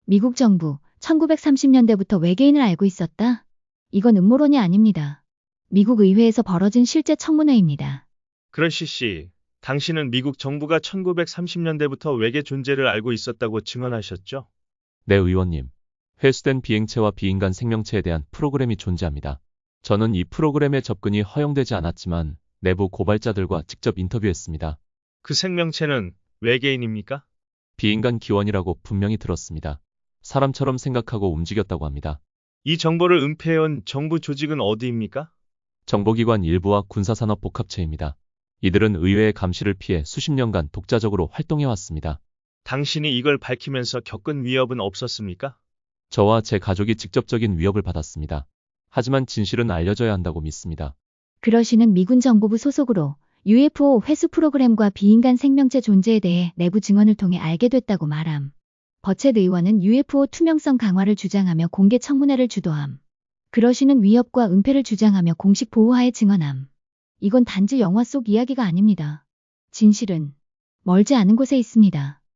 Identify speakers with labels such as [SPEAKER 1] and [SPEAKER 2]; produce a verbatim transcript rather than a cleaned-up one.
[SPEAKER 1] 미국 정부, 천구백삼십 년대부터 외계인을 알고 있었다? 이건 음모론이 아닙니다. 미국 의회에서 벌어진 실제 청문회입니다.
[SPEAKER 2] 그러시 씨, 당신은 미국 정부가 천구백삼십 년대부터 외계 존재를 알고 있었다고 증언하셨죠?
[SPEAKER 3] 네, 의원님. 회수된 비행체와 비인간 생명체에 대한 프로그램이 존재합니다. 저는 이 프로그램에 접근이 허용되지 않았지만 내부 고발자들과 직접 인터뷰했습니다.
[SPEAKER 2] 그 생명체는 외계인입니까?
[SPEAKER 3] 비인간 기원이라고 분명히 들었습니다. 사람처럼 생각하고 움직였다고 합니다.
[SPEAKER 2] 이 정보를 은폐해온 정부 조직은 어디입니까?
[SPEAKER 3] 정보기관 일부와 군사산업 복합체입니다. 이들은 의회의 감시를 피해 수십 년간 독자적으로 활동해왔습니다.
[SPEAKER 2] 당신이 이걸 밝히면서 겪은 위협은 없었습니까?
[SPEAKER 3] 저와 제 가족이 직접적인 위협을 받았습니다. 하지만 진실은 알려져야 한다고 믿습니다.
[SPEAKER 1] 그러시는 미군 정보부 소속으로 유에프오 회수 프로그램과 비인간 생명체 존재에 대해 내부 증언을 통해 알게 됐다고 말함. 버쳇 의원은 유에프오 투명성 강화를 주장하며 공개 청문회를 주도함. 그러시는 위협과 은폐를 주장하며 공식 보호하에 증언함. 이건 단지 영화 속 이야기가 아닙니다. 진실은 멀지 않은 곳에 있습니다.